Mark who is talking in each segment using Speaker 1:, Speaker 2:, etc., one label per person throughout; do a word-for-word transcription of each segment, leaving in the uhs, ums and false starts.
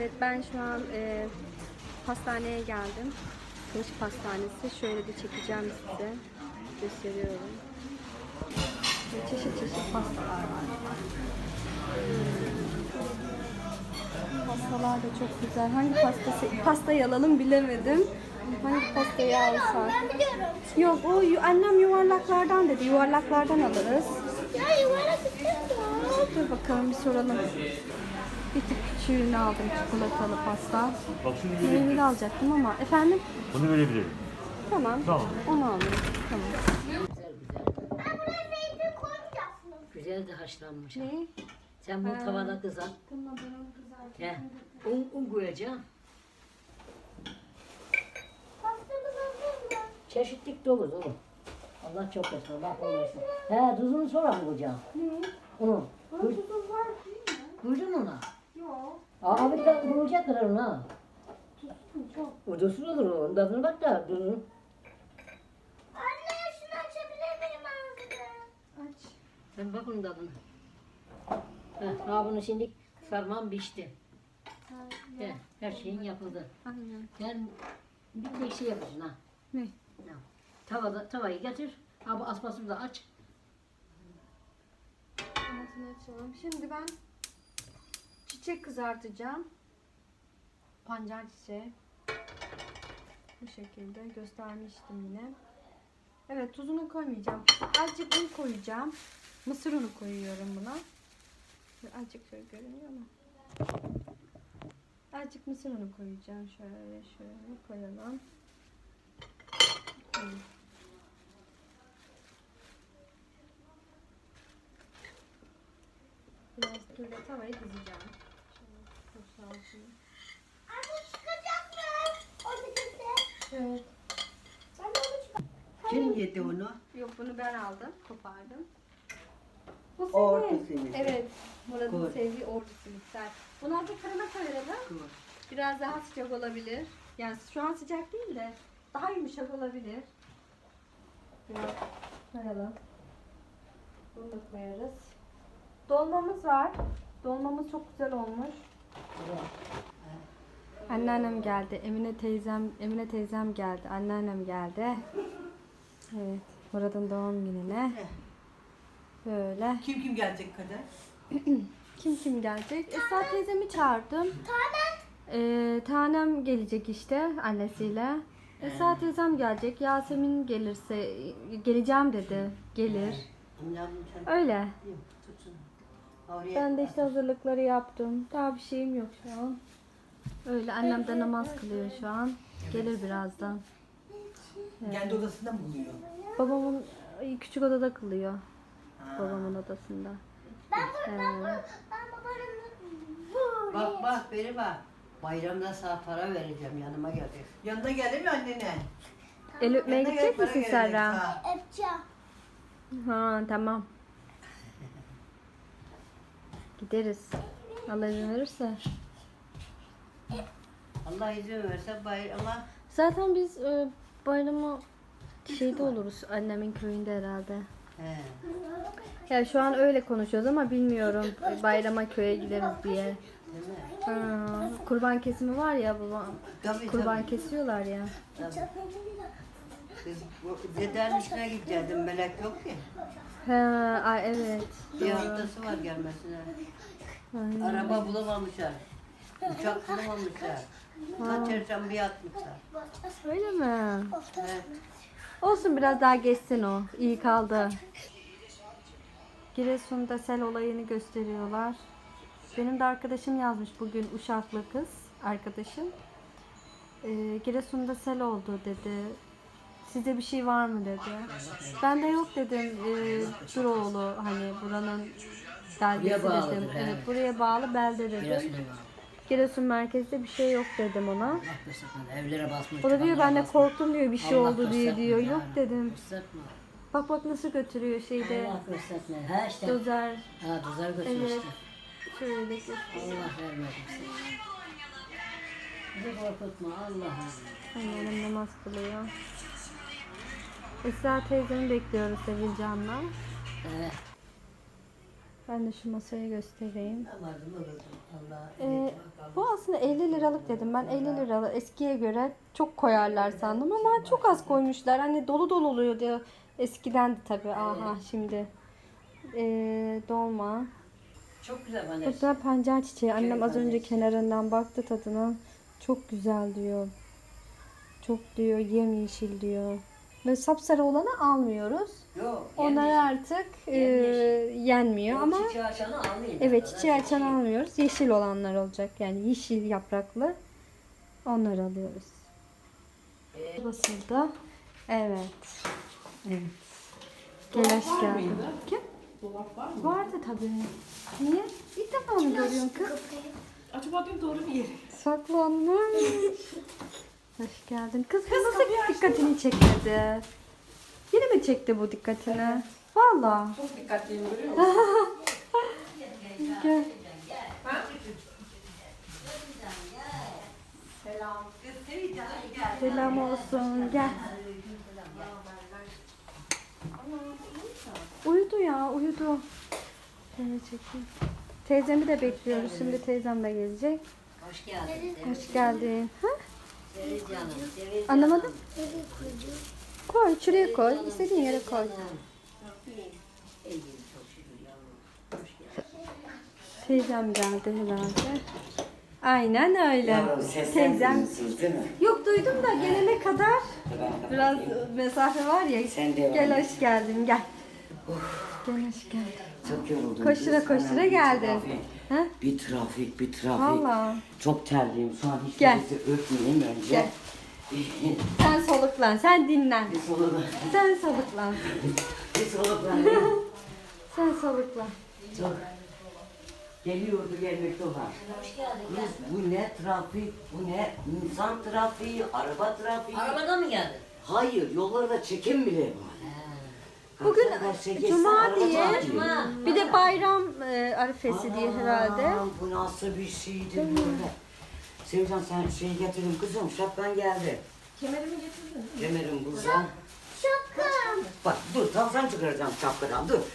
Speaker 1: Evet, ben şu an e, pastaneye geldim. Kılıç Pastanesi. Şöyle de çekeceğim size. Gösteriyorum. Ve çeşit çeşit pastalar var. Pastalar da çok güzel. Hangi pastası, pastayı alalım bilemedim. Hangi pastayı alsak?
Speaker 2: Ben biliyorum.
Speaker 1: Yok, o yu- annem yuvarlaklardan dedi. Yuvarlaklardan alırız.
Speaker 2: Ya yuvarlak istemiyorum.
Speaker 1: Dur bakalım bir soralım. Bir tık küçüğünü aldım, çikolatalı pasta.
Speaker 3: Bak şunu verebilirim.
Speaker 1: Meyveli alacaktım ama efendim?
Speaker 3: Bunu verebilirim.
Speaker 1: Tamam.
Speaker 3: Tamam.
Speaker 1: Onu alayım. Tamam.
Speaker 2: Ben buraya zeytin koymayacaksınız.
Speaker 4: Güzel de haşlanmış.
Speaker 1: Ne?
Speaker 4: Sen bunu
Speaker 1: Ha.
Speaker 4: tavada kızart.
Speaker 1: Tamam, ben onu kızartayım.
Speaker 4: He. Un, un koyacaksın.
Speaker 2: Pastamız hazır mı?
Speaker 4: Çeşitlik dolu dolu. Allah çok etsin. Allah kolaysın. He, tuzunu sonra mı koyacaksın?
Speaker 1: Ne?
Speaker 4: Onu.
Speaker 1: Bunun
Speaker 4: Koy,
Speaker 1: tuzu var değil mi?
Speaker 4: koydun ona.
Speaker 1: Yok.
Speaker 4: Aa, bir tane koyacak kadar ona.
Speaker 1: Tuzlu çok.
Speaker 4: O da sulu olur o. Tadına bak da tuzunu.
Speaker 2: Anne şunu açabilir miyim ağzını?
Speaker 1: Aç.
Speaker 4: Sen bak onun tadına. He, ha bunu şimdi sarmam pişti.
Speaker 1: Ha,
Speaker 4: He, her şeyin yapıldı.
Speaker 1: aynen.
Speaker 4: Sen bir tek şey yapacaksın ha.
Speaker 1: Ne?
Speaker 4: Ya, Tavada, tavayı getir. Ha bu asmasını da aç.
Speaker 1: Altını açalım. Şimdi ben çiçek kızartacağım. Pancar çiçeği. Bu şekilde göstermiştim yine. Evet, tuzunu koymayacağım. Azıcık un koyacağım. Mısır unu koyuyorum buna. Şöyle azıcık şöyle görünüyor mu? Azıcık mısır unu koyacağım. Şöyle şöyle koyalım. Evet. Biraz böyle tavayı dizeceğim. Şöyle boşaltayım.
Speaker 2: Anne çıkacak mı? O dikisi.
Speaker 1: Evet.
Speaker 2: Ben de onu çıkar.
Speaker 5: Kim yedi onu?
Speaker 1: Yok, bunu ben aldım, kopardım. Bu
Speaker 5: Ordu
Speaker 1: senin.
Speaker 5: simidi.
Speaker 1: Evet, Murat'ın
Speaker 5: Koy.
Speaker 1: sevdiği ordu simitler. Bunu azıcık fırına koyalım. Biraz daha sıcak olabilir. Yani şu an sıcak değil de daha yumuşak olabilir. Biraz koyalım. Bunu da koyarız. Dolmamız var. Dolmamız çok güzel olmuş. Anneannem geldi. Emine teyzem, Emine teyzem geldi. Anneannem geldi. Evet, Murat'ın doğum gününe. Böyle.
Speaker 5: Kim kim gelecek kadar?
Speaker 1: Kim kim gelecek? Esra teyzemi çağırdım.
Speaker 2: Tanem.
Speaker 1: Ee, tanem gelecek işte annesiyle. Esra teyzem gelecek. Yasemin gelirse geleceğim dedi. Gelir. Öyle. Ben de işte hazırlıkları yaptım. Daha bir şeyim yok şu an. Öyle, annem de namaz kılıyor şu an. Gelir birazdan.
Speaker 5: Kendi odasında mı buluyor?
Speaker 1: Babamın küçük odada kılıyor. Babamın odasında.
Speaker 2: Ben burada, ben,
Speaker 1: Ee,
Speaker 2: burada, ben babanın
Speaker 6: Bak bak beri bak. Bayramda sana para vereceğim yanıma gelecek.
Speaker 5: Yanına gelir mi annenin?
Speaker 1: El öpmeye
Speaker 5: Yanına
Speaker 1: gidecek
Speaker 5: gelip para
Speaker 1: misin
Speaker 5: verecek
Speaker 1: Serra?
Speaker 5: ha.
Speaker 2: Öpeceğim.
Speaker 1: Ha, tamam. Gideriz. Allah izin verirse.
Speaker 6: Allah izin verse bayrama
Speaker 1: Zaten biz e, bayramı şeyde oluruz, annemin köyünde herhalde.
Speaker 6: he.
Speaker 1: Ya şu an öyle konuşuyoruz ama bilmiyorum e, bayrama köye gideriz diye.
Speaker 6: Değil mi?
Speaker 1: Ha, kurban kesimi var ya, babam
Speaker 6: Tabii
Speaker 1: kurban
Speaker 6: tabii.
Speaker 1: kesiyorlar ya.
Speaker 6: tabii. Kız bu dedenin işine gidecektim melek yok ki.
Speaker 1: He, ay evet.
Speaker 6: Bir
Speaker 1: Doğru.
Speaker 6: haftası var gelmesine.
Speaker 1: Aynen.
Speaker 6: Araba bulamamışlar. Uçak bulamamışlar. Kaçırsam bir atmışlar.
Speaker 1: Öyle mi?
Speaker 6: Evet.
Speaker 1: Olsun, biraz daha geçsin o. İyi kaldı. Giresun'da sel olayını gösteriyorlar. Benim de arkadaşım yazmış bugün, Uşaklı kız arkadaşım. Ee, Giresun'da sel oldu dedi. Size bir şey var mı dedi. Ben de yok dedim. Ee, Duroğlu, hani buranın beldesi
Speaker 4: Buraya bağlıdır,
Speaker 1: dedim.
Speaker 4: he.
Speaker 1: Evet, buraya bağlı belde dedim.
Speaker 4: Giresun'a bağlı.
Speaker 1: Giresun merkezde bir şey yok dedim ona.
Speaker 4: Allah göstersin. Evlere basmış.
Speaker 1: O da diyor, ben de
Speaker 4: duvarlara basmış.
Speaker 1: korktum diyor, bir şey
Speaker 4: Allah
Speaker 1: oldu diye
Speaker 4: gösterme
Speaker 1: diyor.
Speaker 4: yani.
Speaker 1: Yok dedim.
Speaker 4: Gösterme.
Speaker 1: Bak bak nasıl götürüyor şeyde.
Speaker 4: Allah gösterme. Ha işte.
Speaker 1: Dozer.
Speaker 4: Ha dozer götürmüştü.
Speaker 1: Evet. Şöyle götür.
Speaker 4: Allah vermesin. Bizi korkutma Allah'ım.
Speaker 1: Annem namaz kılıyor. Esra teyzemi bekliyoruz Sevilcan'la.
Speaker 4: Evet.
Speaker 1: Ben de şu masayı göstereyim.
Speaker 6: Namazımı kıldım. Allah
Speaker 1: Ee, bu aslında elli liralık dedim. Ben elli liralık eskiye göre çok koyarlar sandım ama çok az koymuşlar. Hani dolu dolu oluyordu. Eskiden de tabii. Aha şimdi. Ee, dolma.
Speaker 4: Çok güzel bana.
Speaker 1: Bu da pancar çiçeği. Annem az önce kenarından baktı tadına. Çok güzel diyor. Çok diyor yemyeşil diyor. Ve sapsarı olanı almıyoruz.
Speaker 4: Yok.
Speaker 1: Onları artık e, yenmiyor ama
Speaker 4: Çiçeği açanı almayın.
Speaker 1: evet çiçeği açan almıyoruz. Yeşil olanlar olacak. Yani yeşil yapraklı. Onları alıyoruz. Basıldı. Evet. Evet. Gelaş geldi. Kim?
Speaker 3: Dolap var mı?
Speaker 1: Vardı tabii. Niye? İlk defa mı görüyorsun kız?
Speaker 3: Acaba diyorum doğru bir yere.
Speaker 1: Saklanmış. Hoş geldin. Kız, kız nasıl dikkatini çekmedi? Yine mi çekti bu dikkatini? Valla.
Speaker 3: Çok dikkatliyim görüyor musun?
Speaker 1: Gel. Selam olsun. Gel. Uyudu ya, uyudu. Şöyle çekeyim. Teyzemi de bekliyoruz. Şimdi teyzem de gelecek.
Speaker 4: Hoş geldin.
Speaker 1: Hoş geldin. Ha?
Speaker 4: Seviz canım. Seviz
Speaker 1: Anlamadım. Koy, şuraya koy. İstediğin yere koy.
Speaker 4: İyiyim çok şükür yavrum. Hoş geldin.
Speaker 1: Teyzem geldi herhalde. Aynen öyle.
Speaker 6: Yavrum seslen
Speaker 1: Teyzem.
Speaker 6: duyuyorsunuz değil mi?
Speaker 1: Yok duydum da gelene kadar
Speaker 6: Ben
Speaker 1: biraz mesafe var ya.
Speaker 6: Sen devam
Speaker 1: Gel
Speaker 6: et.
Speaker 1: hoş geldin gel. Gel hoş geldin.
Speaker 6: Çok yoruldum.
Speaker 1: Koştura
Speaker 6: kız.
Speaker 1: koştura
Speaker 6: Hemen bir
Speaker 1: geldin.
Speaker 6: trafik,
Speaker 1: Ha?
Speaker 6: Bir trafik, bir trafik.
Speaker 1: Valla.
Speaker 6: Çok terliyim. Şu an hiç
Speaker 1: Gel.
Speaker 6: nefesi öpmeyeyim önce.
Speaker 1: Gel. Sen soluklan, sen dinlen.
Speaker 6: Bir soluklan.
Speaker 1: Sen soluklan.
Speaker 6: Bir soluklan.
Speaker 1: Sen soluklan.
Speaker 6: Çok. Geliyordu gelmekte olan.
Speaker 4: Hoş geldin.
Speaker 6: Kız bu ne trafik, bu ne insan trafiği, araba trafiği.
Speaker 4: Arabadan mı geldin?
Speaker 6: Hayır, yollarda çekim bile var.
Speaker 1: Bugün
Speaker 6: Kalkar karşıya geçsen
Speaker 1: Cuma
Speaker 6: araba
Speaker 1: diye,
Speaker 6: trafiği.
Speaker 4: Cuma.
Speaker 1: bir de bayram e, arifesi diye herhalde.
Speaker 6: Aman, bu nasıl bir şeydi böyle. Sevcan sen şey getirdin kızım, şapkan geldi.
Speaker 3: Kemerimi getirdin.
Speaker 6: Kemerim burada.
Speaker 2: Şapkam.
Speaker 6: Bak dur, tavşan çıkaracağım şapkadan, dur.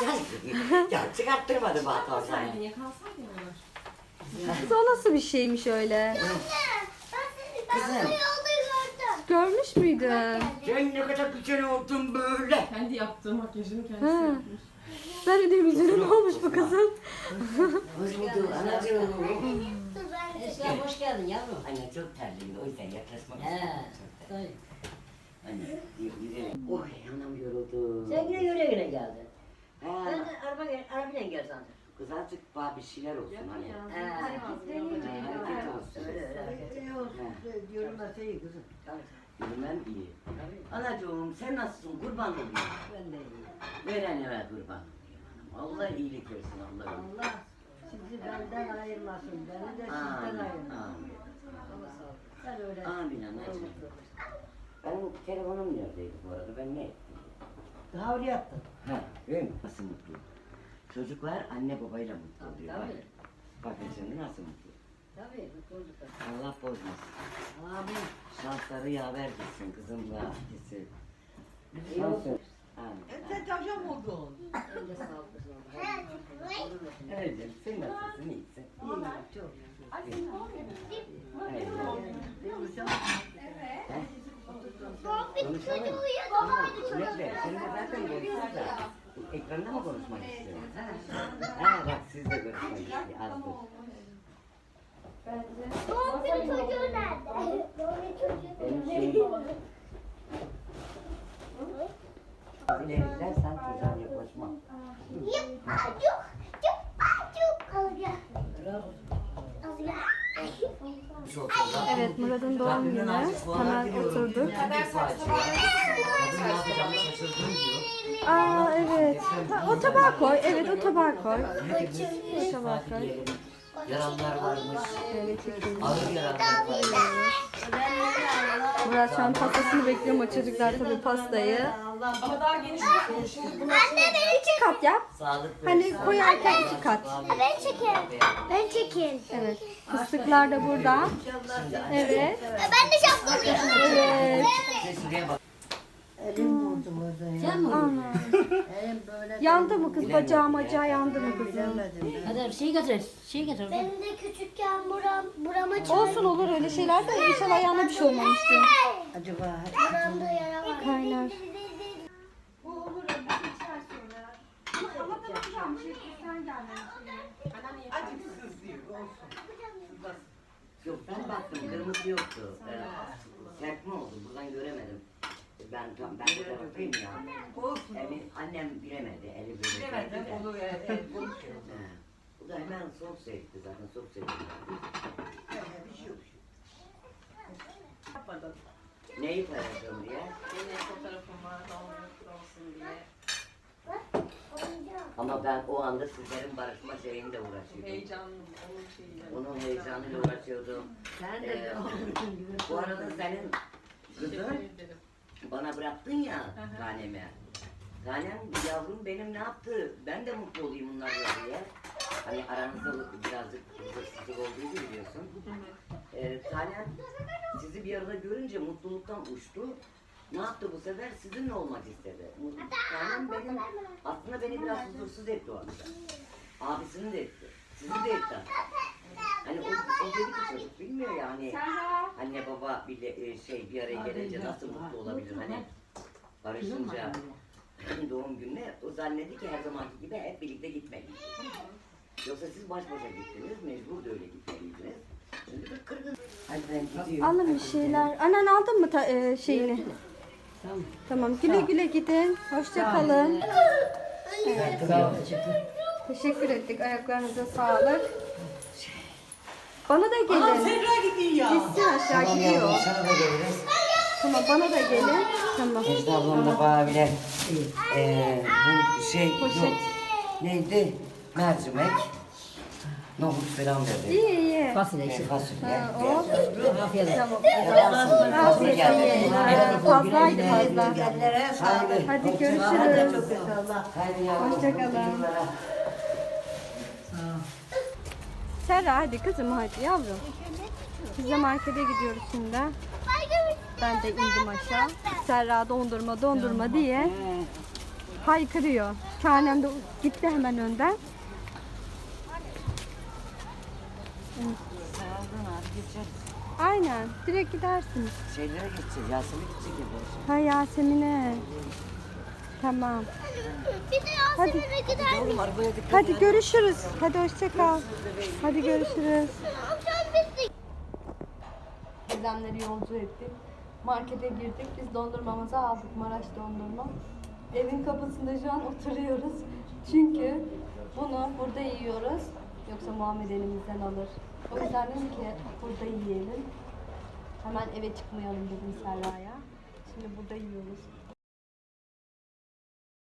Speaker 6: Ya çıkarttırmadı bana tavşanı.
Speaker 3: Niye kalsaydın onlar?
Speaker 1: Kız o nasıl bir şeymiş öyle?
Speaker 2: Ben seni ben
Speaker 6: Kızım.
Speaker 2: bunu yolda gördüm.
Speaker 1: Görmüş müydün?
Speaker 6: Sen ne kadar güzel oldun böyle.
Speaker 3: Kendi yaptığı makyajını kendisi
Speaker 1: Ha.
Speaker 3: yapmış.
Speaker 1: Ben de dedim üzerine ne olmuş bu kızın?
Speaker 6: Hoş bulduk anacığım.
Speaker 2: Dur ben de.
Speaker 4: Esra hoş geldin yavrum.
Speaker 6: Anne çok terliyim, o yüzden yaklaşmak
Speaker 4: He.
Speaker 6: istedim. Çok terliyim.
Speaker 4: Tabii.
Speaker 6: Anne, gidelim. Oy, anam yoruldu.
Speaker 4: Sen yine güle güle geldin. Ben
Speaker 6: Ha,
Speaker 4: de araba gel, arabayla gel sandım.
Speaker 6: kız azıcık bana bir şeyler olsun hani.
Speaker 4: He.
Speaker 6: Ha, hareket olsun.
Speaker 4: Öyle öyle hareket.
Speaker 6: Yürümese kızım.
Speaker 4: Tabii.
Speaker 6: Yürümem iyi.
Speaker 4: Tabii.
Speaker 6: Anacığım sen nasılsın? Kurban olayım.
Speaker 4: Ben de iyiyim.
Speaker 6: Veren eve kurban olayım hanım. Allah iyilik versin Allah.
Speaker 4: Allah sizi benden ayırmasın. Beni de sizden
Speaker 6: Amin.
Speaker 4: ayırmasın.
Speaker 6: Amin.
Speaker 4: Allah sağ ol. Sen öyle.
Speaker 6: Amin anacığım. Benim telefonum neredeydi bu arada? Ben ne ettim?
Speaker 4: Daha oraya attın.
Speaker 6: Ha, öyle mi? Nasıl mutlu? Çocuklar anne babayla mutlu
Speaker 4: Tabii,
Speaker 6: oluyor.
Speaker 4: tabii.
Speaker 6: Bak, bakın şimdi nasıl mutlu.
Speaker 4: Tabii mutlu olduk.
Speaker 6: Allah bozmasın.
Speaker 4: Amin.
Speaker 6: Şansları yaver gitsin kızımla gitsin.
Speaker 4: İyi olsun.
Speaker 6: Şansı. Amin.
Speaker 5: Sen tavşan mı oldun?
Speaker 4: Eline sağlık kızım.
Speaker 6: Evet canım, sen nasılsın? İyisin.
Speaker 4: İyiyim çok.
Speaker 6: Evet.
Speaker 2: Sohbet çocuğu uyuyor.
Speaker 6: Tamam,
Speaker 2: Babaydı çocuğu.
Speaker 6: Mehmet, senin de zaten görüşürüz de. Ekranda mı konuşmak istiyorsun? Ha, ha bak siz de görüşmek istiyorsunuz. Az dur.
Speaker 2: Sohbet çocuğu nerede? Sohbet çocuğu.
Speaker 6: Benim şeyim... İleriden sen çocuğa yaklaşma.
Speaker 2: Yapacuk. Yapacuk. Al gel. Al gel.
Speaker 1: Evet Murat'ın doğum günü. Hemen oturduk.
Speaker 6: Kadın ne yapacağımı şaşırdım diyor.
Speaker 1: Aa evet. Ha, o tabağa koy. Evet o tabağa koy.
Speaker 6: Hepimiz
Speaker 1: Tabağa koy.
Speaker 6: diyelim. Yaralılar varmış.
Speaker 1: Evet çekelim.
Speaker 6: Ağır yaralılar varmış.
Speaker 1: Murat şu an pastasını bekliyor ama çocuklar tabii pastayı.
Speaker 3: Ama daha geniş bir konuş.
Speaker 2: Anne beni çek.
Speaker 1: İki kat yap.
Speaker 6: Sağlık
Speaker 1: Hani
Speaker 6: versin.
Speaker 1: koyarken iki kat.
Speaker 2: Ben çekeyim. Ben çekeyim.
Speaker 1: Evet. Fıstıklar da burada. Evet.
Speaker 2: Ben de şapkalıyım.
Speaker 1: Evet.
Speaker 6: Sen şuraya bak.
Speaker 4: Elim vurdu burada ya.
Speaker 1: Sen mi? Ana.
Speaker 4: Elim böyle.
Speaker 1: Yandı mı kız? Bacağı bacağı yandı mı kızım?
Speaker 4: Hadi bir şey getir. Şey getir.
Speaker 2: Benim de küçükken buram, buram
Speaker 1: Olsun olur öyle şeyler de inşallah ayağına bir şey olmamıştır.
Speaker 5: Acaba
Speaker 2: Buramda yara var.
Speaker 1: Kaynar.
Speaker 3: Bu olur. Bir içer sonra.
Speaker 1: Ama tamam bir şey sen gelmemişsin.
Speaker 5: acık sızlıyor olsun. Sızlasın.
Speaker 6: Yok ben baktım kırmızı yoktu. Ee, serpme oldu buradan göremedim. Ben tam ben bu taraftayım ya.
Speaker 5: Olsun.
Speaker 6: Eli, annem bilemedi eli böyle.
Speaker 5: Bilemezdim
Speaker 6: çekti de.
Speaker 5: onu e, e, konuşuyor.
Speaker 6: He. Bu da hemen soğuk sevdi zaten soğuk sevdi.
Speaker 5: Bir şey yok. Yapmadım.
Speaker 6: Neyi paylaşalım diye.
Speaker 3: Yine fotoğrafım var. Doğum olsun diye.
Speaker 2: Oyuncak.
Speaker 6: Ama ben o anda sizlerin barışma şeyiyle uğraşıyordum.
Speaker 3: Heyecanlı. Onun şeyiyle.
Speaker 6: Onun heyecanıyla uğraşıyordum.
Speaker 5: Sen
Speaker 6: Ee, bu arada senin kızın
Speaker 3: Teşekkür ederim.
Speaker 6: bana bıraktın ya tanemi. Tanem yavrum benim ne yaptı? Ben de mutlu olayım bunlarla diye. Hani aranızda birazcık hırsızlık olduğu gibi biliyorsun. Ee, tanem sizi bir arada görünce mutluluktan uçtu. Ne yaptı bu sefer? Sizinle olmak istedi. Tanem benim, aslında beni biraz huzursuz etti o akşam. Abisini de etti. Sizi de etti. Hani o, o dedi ki çocuk bilmiyor ya hani anne baba bile e, şey bir araya gelince nasıl mutlu olabilir hani barışınca doğum gününe o zannetti ki her zamanki gibi hep birlikte gitmeliyiz. Yoksa siz baş başa gittiniz mecbur da öyle gitmeliydiniz. Şimdi bir kırgın. Hadi ben gidiyorum.
Speaker 1: Alın bir şeyler. Annen aldın mı ta- e, şeyini?
Speaker 4: Tamam.
Speaker 1: Tamam güle güle gidin. Hoşça kalın.
Speaker 4: Sağ ol.
Speaker 1: Teşekkür ettik. Ayaklarınıza sağlık. Bana da
Speaker 5: Aa
Speaker 1: gelin.
Speaker 5: Serra gidiyor.
Speaker 1: Gitsin aşağı gidiyor.
Speaker 6: Sana da geliriz.
Speaker 1: Tamam bana da gelin. Tamam.
Speaker 6: Necla ablam da bana bile eee bu şey
Speaker 1: Poşet.
Speaker 6: yok. Neydi? Mercimek. Nohut falan verdi.
Speaker 1: İyi iyi.
Speaker 4: Fasulye
Speaker 6: E,
Speaker 4: işte.
Speaker 6: fasulye.
Speaker 1: Ha, o.
Speaker 4: Afiyet olsun.
Speaker 1: Tamam.
Speaker 6: Yaparsın. Fazla
Speaker 1: Afiyet
Speaker 6: geldi.
Speaker 1: olsun. Ha, Fazlaydı fazla.
Speaker 6: Haydi.
Speaker 1: Hadi görüşürüz.
Speaker 6: Haydi yavrum.
Speaker 1: Hoşça kalın.
Speaker 6: mutlu yıllara.
Speaker 1: Serra hadi kızım hadi yavrum. Biz de markete gidiyoruz şimdi. Ben de indim aşağı. Serra dondurma dondurma diye haykırıyor. Tanem de gitti hemen önden.
Speaker 6: Sağdan abi geçeriz.
Speaker 1: Aynen direkt gidersiniz.
Speaker 6: Şeylere geçeceğiz. Yasemin gidecek ya.
Speaker 1: Ha Yasemin'e. Tamam.
Speaker 2: Bir de Yasemin'e gider
Speaker 6: Oğlum arabaya dikkat
Speaker 1: Hadi görüşürüz. Hadi hoşça kal. Hadi görüşürüz.
Speaker 2: Amcam bizi.
Speaker 1: Teyzemleri yolcu ettik. Markete girdik. Biz dondurmamızı aldık. Maraş dondurma. Evin kapısında şu an oturuyoruz. Çünkü bunu burada yiyoruz. Yoksa Muhammed elimizden alır. O yüzden dedim ki burada yiyelim. Hemen eve çıkmayalım dedim Serra'ya. Şimdi burada yiyoruz.